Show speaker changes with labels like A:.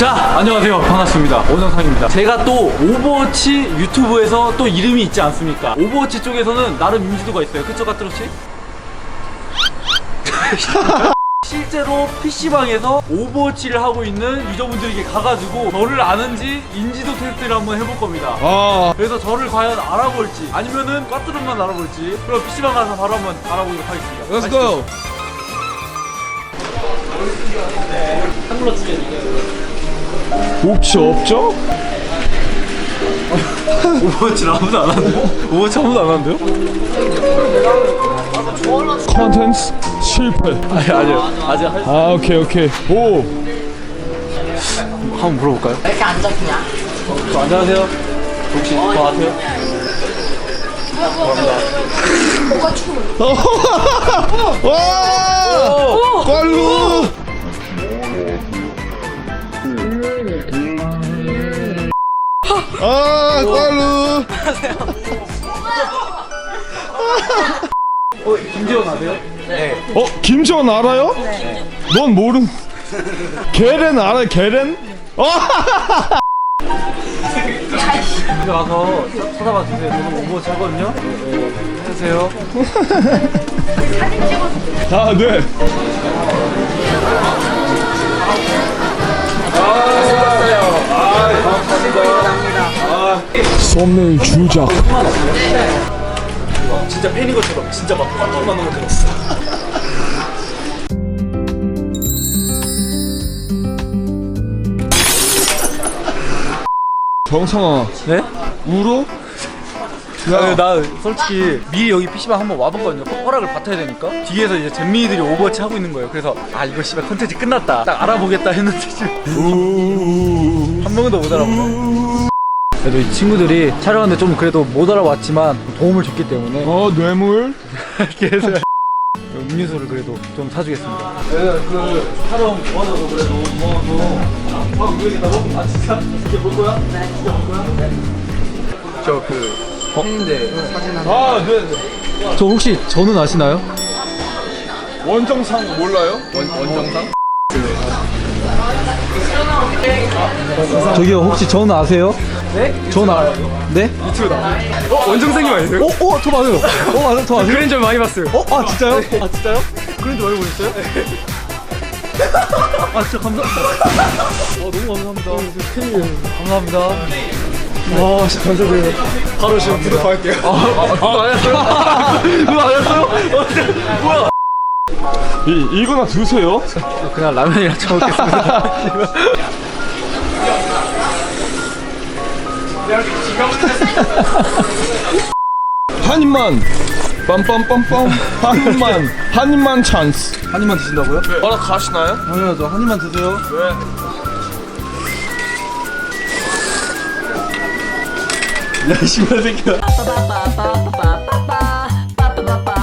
A: 자, 안녕하세요. 반갑습니다. 원영상입니다. 제가 또 오버워치 유튜브에서 또 이름이 있지 않습니까? 오버워치 쪽에서는 나름 인지도가 있어요. 그쵸, 까트로치? 실제로 PC방에서 오버워치를 하고 있는 유저분들에게 가가지고 저를 아는지 인지도 테스트를 한번 해볼 겁니다. 그래서 저를 과연 알아볼지 아니면은 까트로만 알아볼지 그럼 PC방 가서 바로 한번 알아보도록 하겠습니다.
B: Let's go.
A: 한글로 치게.
B: 옵치 없죠?
A: 오버워치를 아무도 안 하는데요? 오버워치 아무도 안 하는데요?
B: 컨텐츠 실패.
A: 아니요. 아직 할 수...
B: 오케이. 오.
A: 한번 물어볼까요?
C: 왜 이렇게 안 잡히냐?
A: 안녕하세요. 혹시 저 아세요?
B: 와! 꼴루! 꼴루!
A: 김지원 아세요?
B: 김지원 알아요? 네. 넌 모르는. 게렌 알아요? 게렌?
A: 집에 가서 찾아봐 주세요. 저는 오버워치 하거든요. 해주세요.
B: 네. 썸네일 주작.
A: 진짜 팬인 것처럼 진짜 막 깜짝 놀란 것 같았어.
B: 정상아,
A: 네?
B: 울어?
A: 나 솔직히 미리 여기 PC방 한번 와봤거든요. 허락을 받아야 되니까. 뒤에서 이제 잼민이들이 오버워치 하고 있는 거예요. 그래서 아 이거 씨발 컨텐츠 끝났다. 딱 알아보겠다 했는데 지금 한 번도 못 알아보네. 그래도 이 친구들이 촬영하는데 좀 그래도 못 알아봤지만 도움을 줬기 때문에
B: 뇌물?
A: 그래서 음료수를 그래도 좀 사주겠습니다. 그 촬영 도와줘서 그래도 고마워서 왜 이러겠다고? 아 진짜? 이게 볼 거야? 네. 이게 볼 거야? 네. 저그 팬인데 사진 하나.
B: 네.
A: 저 혹시 저는 아시나요?
B: 원정상 몰라요? 원정상?
A: 저기요 혹시 저는 아세요? 네? 저는 알아요. 네?
B: 유튜브다. 원정상님 아니세요?
A: 저 맞아요. 맞아요. 저 아세요?
B: 그랜저 많이 봤어요.
A: 아 진짜요? 아 진짜요? 그런지 많이 보셨어요? 아 진짜 감사합니다. 너무 감사합니다. 감사합니다.
B: 와, 진짜 감사드려요. 바로 지금 구독할게요.
A: 그거 안 했어요? 그거 안 했어요? 뭐야?
B: 이거나 드세요.
A: 그냥 라면이랑 처먹겠습니다.
B: 한 입만. 빰빰빰빰. 한 입만 찬스.
A: 한 입만 드신다고요?
B: 가시나요?
A: 당연하죠. 한 입만 드세요.
B: 왜?
A: 야, 이 씨발 새끼야.
C: 빠빠빠빠빠빠빠빠빠빠빠